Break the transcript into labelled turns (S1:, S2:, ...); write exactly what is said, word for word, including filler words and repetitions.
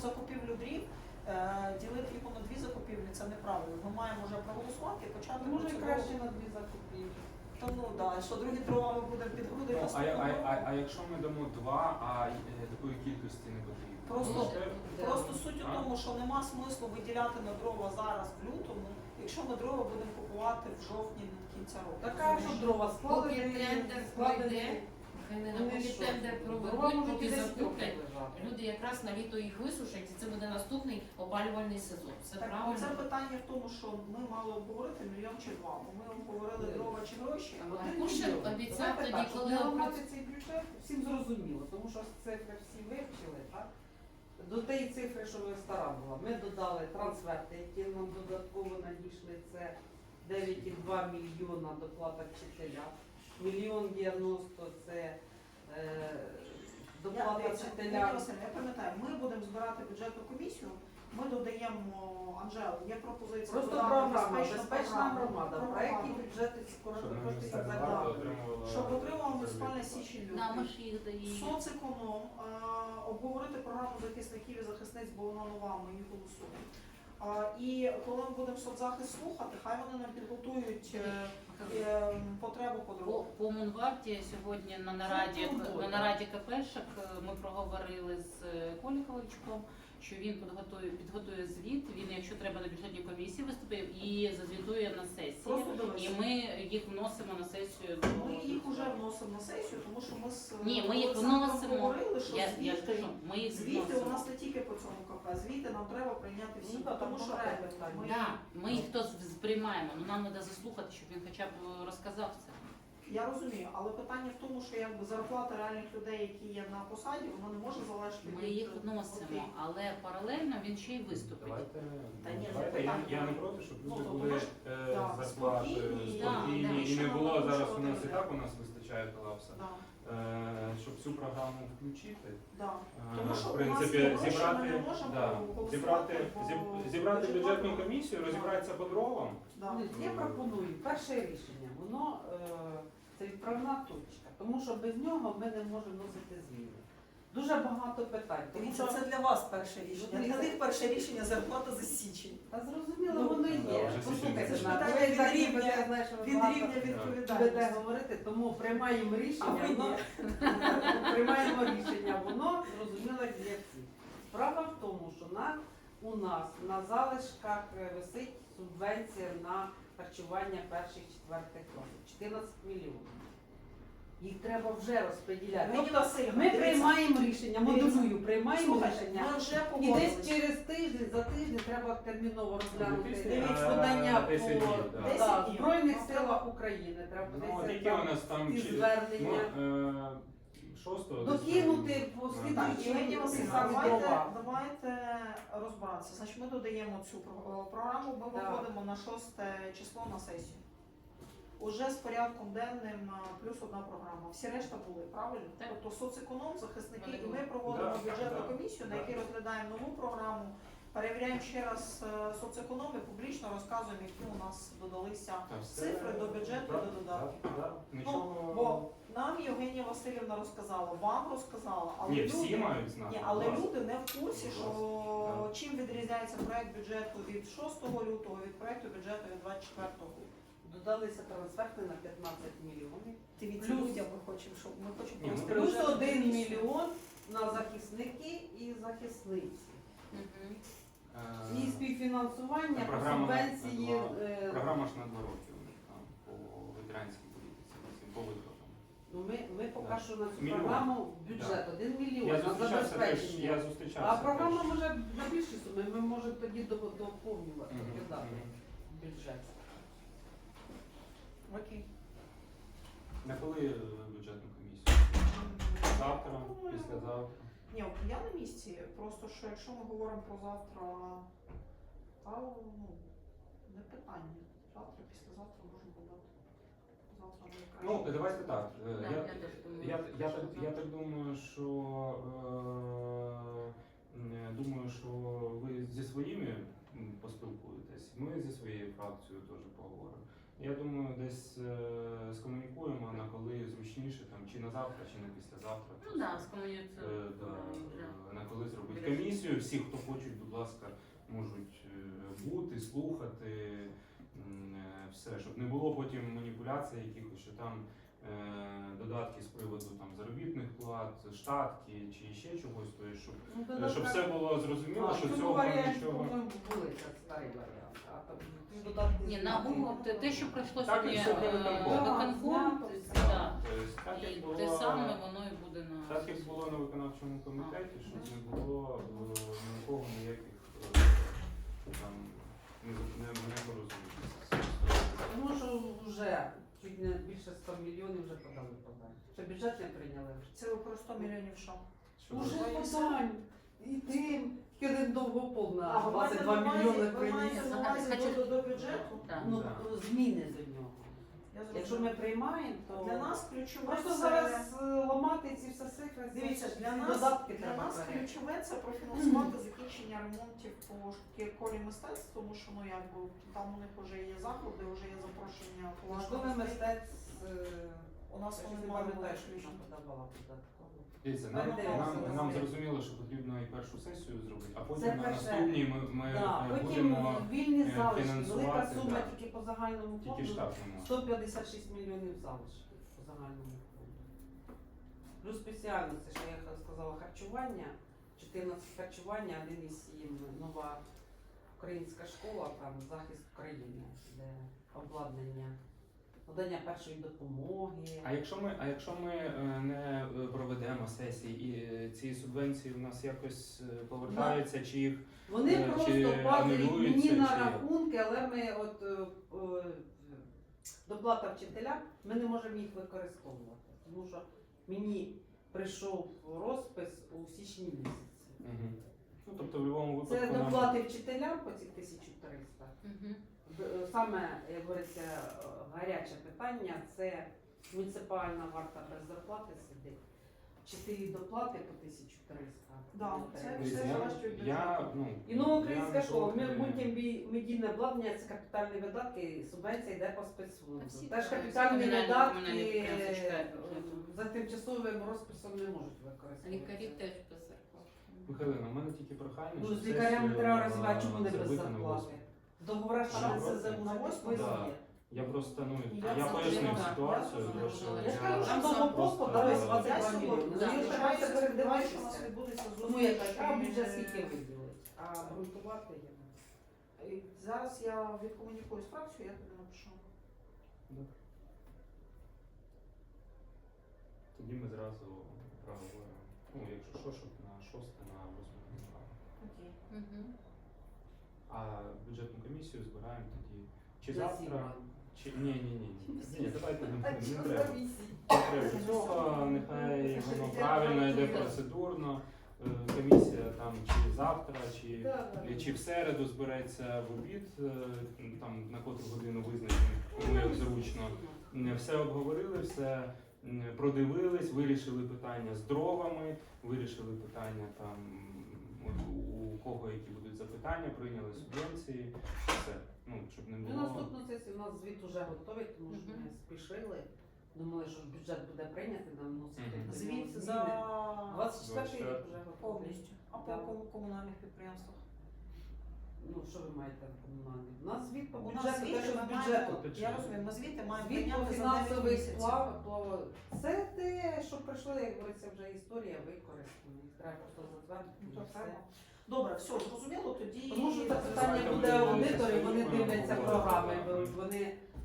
S1: закупівлю дрів е, ділити його на дві закупівлі це неправильно. Ми маємо вже проголосувати і почати.
S2: Може
S1: процедуру.
S2: краще на дві закупівлі.
S1: Тому да, що другі дрова ми будемо під груди.
S3: Ну, а, а, а, а якщо ми дамо два, а е, такої кількості не потрібно?
S1: Просто,
S3: Може,
S1: просто суть у
S3: А?
S1: тому, що нема смислу виділяти на дрова зараз в лютому, якщо ми дрова будемо купувати в жовтні кінця року.
S2: Така що дрова
S4: Поки
S2: складені,
S4: тендер
S2: складені.
S4: пройде, хай не
S2: Вони
S4: поки
S2: що?
S4: тендер
S2: Дрова
S4: проведуть,
S2: можуть
S4: поки
S2: і десь
S4: закуплять.
S2: лежати.
S4: Люди якраз на літо їх висушать, і це буде наступний опалювальний сезон. Це
S1: Так,
S4: правильно.
S1: це питання в тому, що ми мали обговорити мільйон чи два, бо ми обговорили
S2: Ні.
S1: дрова чи гроші.
S2: Там
S1: а
S2: один
S4: Кушин
S2: мільйон.
S4: обіцяв
S2: Давайте
S4: тоді,
S2: так, щоб
S4: коли
S2: не
S4: опра-
S2: ламати цей бюджет, всім зрозуміло, тому що цифри всі вивчили, так? До тієї цифри, що ви стара була, ми додали трансферти, які нам додатково надійшли, це дев'ять цілих два мільйона доплата вчителя, мільйон дев'яносто це е,
S1: Я,
S2: доплата
S1: дивіться,
S2: вчителя.
S1: Надія Василівна, я пам'ятаю, ми будемо збирати бюджетну комісію, ми додаємо, Анжела, є пропозиція
S2: Просто
S1: додати
S2: програма,
S1: безпечну
S2: безпечна
S1: програму,
S2: громада, в
S1: програму,
S2: проєкті бюджету
S3: Щоб
S2: кошти
S3: ми
S2: і
S3: все
S2: так
S3: варто
S2: далі.
S3: отримували.
S1: щоб отримав муніципальна січень
S5: Да, ми
S1: лютий.
S5: ж їх даємо.
S1: Соцеконом, е, обговорити програму захисників і захисниць, бо вона нова, ми її голосуємо. А, і коли ми будемо соцзахист слухати, хай вони нам підготують е, е, потребу по
S5: По,
S1: дорогу.
S5: по Мунварті сьогодні на нараді,
S2: Це
S5: на нараді КПшок ми проговорили з Коліковичком, що він підготує, підготує звіт, він, якщо треба, на бюджетній комісії виступить і зазвітує на сесії.
S1: Просто дивись.
S5: І ми їх вносимо на сесію.
S1: Ми їх вже вносимо на сесію, тому що ми з
S5: Ні, ми їх
S1: Олександром
S5: вносимо.
S1: говорили, що
S5: Я, я ж
S1: звіти,
S5: кажу, ми їх
S1: звіти у
S5: вносимо.
S1: нас не тільки по цьому КП, звіти нам треба прийняти всі,
S2: Ну, так,
S1: тому
S2: там
S1: що
S2: багато питань.
S1: ми,
S5: Да, ми їх то сприймаємо, але нам треба заслухати, щоб він хоча б розказав це.
S1: я розумію, але питання в тому, що якби зарплата реальних людей, які є на посаді, вона не може залежати
S5: Ми
S1: від-
S5: їх
S1: Окей.
S5: вносимо, але паралельно він ще й виступить.
S3: Давайте,
S1: Та ні,
S3: давайте.
S1: не
S3: Я,
S1: питання.
S3: я не проти, щоб
S1: Ну,
S3: люди
S1: то
S3: були
S1: тому ж,
S3: е,
S1: да,
S3: зарплати
S1: спокійні,
S5: да,
S3: спокійні,
S5: да.
S3: і
S1: Що
S3: не
S1: нам
S3: було
S1: треба,
S3: зараз
S1: що
S3: у нас і
S1: треба?
S3: так у нас вистачає колапса.
S1: Да,
S3: Е, щоб цю програму включити,
S1: да.
S3: е,
S1: Тому що
S3: в
S1: у
S3: принципі,
S1: нас є гроші, ми
S3: зібрати,
S1: не можемо
S3: да,
S1: голосувати
S3: зібрати,
S1: по
S3: зіб- зібрати
S1: бюджету.
S3: бюджетну комісію, розібратися по дровам.
S1: Да.
S2: Ні, Я пропоную перше рішення. Воно е, це відправна точка, тому що без нього ми не можемо вносити зміни. Дуже багато питань. Тому
S1: Дивіться,
S2: що
S1: це для вас перше рішення.
S2: Дивіться.
S1: Для них перше рішення зарплата за січень.
S2: та зрозуміло,
S1: Ну,
S2: воно
S3: да,
S2: є.
S3: вже
S2: Послухайте,
S1: Це ж
S2: Надя,
S1: питання
S2: ви
S1: від
S2: так
S1: рівня-
S2: любите, я знаю, що ви
S1: Від
S2: багато
S1: рівня
S2: будете
S1: відповідальності.
S2: говорити, тому приймаємо
S1: А
S2: рішення,
S1: ви ні.
S2: воно приймаємо рішення, воно зрозуміло для всіх. Справа в тому, що на, у нас на залишках е, висить субвенція на харчування перших четвертих класів чотирнадцять мільйонів. Їх треба вже розподіляти.
S1: Євгенія
S2: Тобто
S1: Василівна,
S2: ми
S1: дивіться.
S2: приймаємо рішення,
S1: Дивіться.
S2: модулюю, приймаємо
S1: Слухайте,
S2: рішення.
S1: ми вже
S2: І десь
S1: погодились.
S2: через тиждень, за тиждень треба терміново розглянути
S1: Дивіться.
S2: подання по
S3: десять днів, да.
S2: да,
S1: Десять днів.
S2: Збройних силах України. Треба
S3: Ну,
S2: подивитися
S3: які у нас там
S2: ті
S3: чи-
S2: звернення.
S3: ну, е, шостого десь,
S2: Докинути по
S3: Ну,
S1: Так,
S2: слідуючій
S1: Євгенія Васильівна,
S2: саме
S1: давайте,
S2: дрова.
S1: давайте розбиратися. Значить, ми додаємо цю про- програму, ми
S2: Так.
S1: виходимо на шосте число на сесію. Уже з порядком денним а, плюс одна програма. Всі решта були, правильно?
S5: Так.
S1: Тобто соцеконом, захисники,
S5: Вони
S1: і
S5: були.
S1: ми проводимо
S3: Да,
S1: бюджетну
S3: да,
S1: комісію, на
S3: да.
S1: якій розглядаємо нову програму, перевіряємо ще раз е, соцеконом і публічно розказуємо, які у нас додалися
S3: Та все,
S1: цифри до бюджету,
S3: да,
S1: до додатків.
S3: да, да. Нічого.
S1: Бо нам Євгенія Васильівна розказала, вам розказала, але
S3: Ні,
S1: люди,
S3: всі мають знати.
S1: ні, але
S3: будь ласка.
S1: люди не в курсі,
S3: Будь
S1: що
S3: ласка.
S1: чим відрізняється проект бюджету від шостого лютого від проекту бюджету від двадцять четвертого.
S2: Додалися трансферти на п'ятнадцять мільйонів.
S1: Дивіться,
S2: Плюс-
S1: людям ми хочемо, щоб ми хочемо
S3: Ні, ну,
S1: провести
S2: Плюс
S1: бюджетну
S2: один
S1: комісію.
S2: мільйон на захисники і захисниці.
S5: Мгм.
S3: Е,
S2: І співфінансування по
S3: програма
S2: субвенції.
S3: на два-
S2: е,
S3: Програма ж на два роки у них там по ветеранській політиці, по виплатам.
S2: Ну, ми, ми поки
S3: Да.
S2: що на цю
S3: Мільйон.
S2: програму бюджет один мільйон
S3: Я
S2: на
S3: зустрічався теж,
S2: забезпечення.
S3: я зустрічався.
S2: А програма
S3: теж.
S2: може на більші суми, ми можемо тоді до- доповнювати,
S3: Мгм,
S2: додати
S3: мгм.
S2: бюджет.
S1: Окей.
S3: На коли е, бюджетну комісію? Завтра, післязавтра.
S1: Ні, от я на місці. Просто що якщо ми говоримо про завтра, та ну не питання. Завтра, післязавтра можемо подати. Завтра найкраще.
S3: Ну, давайте так. е,
S5: Да,
S3: Я,
S5: я теж думаю,
S3: я,
S5: що
S3: я,
S5: це
S3: так,
S5: завтра.
S3: я так думаю, що е, е, думаю, що ви зі своїми м, поспілкуєтесь. Ми зі своєю фракцією теж поговоримо. Я думаю, десь е, скомунікуємо на коли зручніше, там чи на завтра, чи на післязавтра.
S5: Ну да, з комунікацією.
S3: Е, да, е, на коли зробити комісію. Всі, хто хочуть, будь ласка, можуть е, бути, слухати, м, е, все, щоб не було потім маніпуляцій якихось, що там е, додатки з приводу там заробітних плат, штатки чи ще чогось, то є, щоб,
S2: Ну,
S3: е,
S2: додатка-
S3: щоб все було зрозуміло,
S2: А,
S3: що
S2: в цьому
S3: цього
S2: варіанті,
S3: нічого.
S2: по-моєму, були це старий варіант. А там додатки
S5: Ні,
S2: з
S5: на
S2: ними.
S5: умов, те, те, що пройшло
S3: Так,
S5: сьогодні
S3: як сьогодні
S5: е,
S3: виконком.
S5: виконком,
S2: Так,
S5: це, да.
S3: Тобто, так,
S5: І
S3: як було,
S5: те саме воно і буде на
S3: так, як було на виконавчому комітеті, щоб не було е, нікого ніяких е, там не, не, не порозумінь.
S2: Тому що вже чуть не більше ста мільйонів вже подали подань. Ще бюджет не прийняли.
S1: Це ви про сто мільйонів що?
S3: Що
S2: Уже
S3: ви-
S2: подань. І тим, тільки один довгопол
S1: А,
S2: на
S1: ви маєте
S2: двадцять два
S1: на увазі-
S2: мільйони
S1: ви маєте
S2: приніс.
S1: на увазі
S5: Хочу-
S1: до, до бюджету?
S5: Да.
S2: Ну,
S3: Да.
S2: зміни до нього.
S1: Я
S2: Якщо
S1: зрозуміла.
S2: ми приймаємо, то
S1: Для нас ключове
S2: просто
S1: це...
S2: зараз е, ламати ці все цифри. це
S1: Дивіться,
S2: всі
S1: для нас,
S2: додатки
S1: для
S2: треба
S1: нас
S2: перейти.
S1: ключове це профінансувати закінчення ремонтів по школі мистецтв, тому що ну якби там у них вже є заходи, вже є запрошення
S2: Школи
S1: художніх мистецтв.
S2: мистецтв. е,
S1: У нас
S2: я
S1: вони
S2: щось не
S1: мали
S2: пам'ятаю,
S1: бути
S2: що
S1: включені.
S2: нам подавала додатково.
S3: Дивіться,
S2: Ми
S3: нам,
S2: дивимося
S3: нам,
S2: на
S3: нам
S2: звіт.
S3: зрозуміло, що потрібно і першу сесію зробити, а
S2: Це
S3: потім на
S2: перше.
S3: наступній ми, ми
S2: Да,
S3: е,
S2: потім
S3: будемо
S2: вільні
S3: е,
S2: залишки, велика
S3: фінансувати,
S2: сума
S3: да.
S2: тільки по загальному
S3: тільки
S2: фонду.
S3: штатному.
S2: сто п'ятдесят шість мільйонів залишків по загальному фонду. Плюс спеціальності, що я сказала, харчування, чотирнадцять харчування, один із сім нова українська школа, там захист України, де обладнання, надання першої допомоги.
S3: А якщо ми, а якщо ми е, не е, проведемо сесії і е, ці субвенції в нас якось е, повертаються, чи їх
S2: Вони
S3: Е,
S2: просто
S3: чи
S2: падають
S3: анулюються,
S2: мені на
S3: чи-
S2: рахунки, але ми от е, е, доплата вчителям, ми не можемо їх використовувати. Тому що мені прийшов розпис у січні місяці.
S3: Мгм. Ну тобто в будь-якому
S2: Це
S3: випадку нам-
S2: доплати вчителям по ці тисячу триста.
S5: Мгм.
S2: Д- Саме, як говориться, е, гаряче питання це муніципальна варта без зарплати сидить. Чотири доплати по тисячу триста.
S1: Да, це
S3: Дивіться,
S1: все
S3: я,
S1: залежить від
S3: я,
S1: бюджету.
S3: ну,
S2: І нова українська
S3: я
S2: школа. Ми
S3: проти-
S2: мультимедійне обладнання це капітальні видатки, субвенція йде по спецфонду.
S5: Та всі
S2: Теж
S5: так,
S2: капітальні
S5: комунальні-
S2: видатки
S5: комунальні підприємства
S2: е,
S5: чекають бюджету.
S2: за тимчасовим розписом не можуть використовувати.
S4: Лікарі теж без зарплати.
S3: Михайлина, у мене тільки прохання,
S2: Ну,
S3: щоб
S2: з лікарями
S3: сесію,
S2: треба розвивати, чому не без
S3: зробити на
S2: зарплати.
S3: восьму.
S2: Договора
S3: Що,
S2: ж на
S3: просто?
S2: СЗУ
S1: На
S2: на
S1: восьму?
S2: восьму
S3: Да.
S2: є.
S3: Я просто, ну,
S1: Я
S3: я
S1: це
S3: пояснив
S1: вже,
S3: ситуацію,
S4: я
S3: тому
S4: це
S3: що
S4: вже-
S2: Я ж кажу,
S3: я
S2: що
S1: сам
S2: того
S3: просто,
S2: просто дали
S3: е,
S2: двадцять
S1: Я
S2: два
S1: сьогодні
S2: мільйони.
S5: Да.
S2: Ну, якщо
S1: сподіваюся,
S2: це
S1: сподіваюся, що у нас
S2: передивитися,
S1: відбудеться
S2: тому
S1: зустріч.
S2: яка треба
S1: між-
S2: бюджет скільки виділить, а грунтувати є.
S1: І Зараз я відкомунікую з фракцією, я тобі напишу.
S3: Добре. Тоді ми зразу проговоримо. Ну, якщо що, щоб на шосте, на восьме не брали.
S1: Окей.
S5: Мгм.
S3: А бюджетну комісію збираємо тоді чи
S2: На
S3: завтра,
S2: сім.
S3: чи ні, ні, ні. Ні, давайте не,
S2: А
S3: не
S2: що
S3: треба.
S2: за місії?
S3: Не треба цього, нехай
S2: Це
S3: воно
S2: ж
S3: правильно йде
S2: іде
S3: процедурно. Е, Комісія там чи завтра, чи,
S2: Да, да.
S3: чи в середу збереться в обід, е, там на котру годину визначено, кому як зручно. М, Все обговорили, все м, продивились, вирішили питання з дровами, вирішили питання там от у у кого які будуть запитання, прийняли субвенції, все. Ну, щоб не
S2: Ну,
S3: було.
S2: наступну сесію у нас звіт вже готовий, тому що
S5: Мгм.
S2: ми спішили. Думали, що бюджет буде прийнятий, нам вносити.
S3: Мгм.
S2: до нього
S1: Звіт
S2: зміни.
S1: за
S2: двадцять четвертий рік
S3: двадцять
S2: вже готовий.
S1: повністю. А по
S2: Да.
S1: кому- комунальних підприємствах?
S2: Ну, що ви маєте в комунальній? У нас звіт по
S1: У нас
S2: бюджету, те,
S1: звіти
S2: що
S1: ми
S2: з бюджету.
S1: маємо, я розумію, ми звіти маємо
S2: Звіт по
S1: прийняти за дев'ять
S2: фінансовий
S1: місяців.
S2: сплав, то це те, що пройшло, як говориться, вже історія використана. Їх треба просто затвердити.
S1: Ну,
S2: і
S1: то
S2: все.
S1: треба. Добре, все, зрозуміло, тоді...
S2: Тому що це
S3: Давайте
S2: питання буде
S3: ми
S2: аудиторів, вони
S3: будемо
S2: дивляться
S3: говорити.
S2: програми, беруть, вони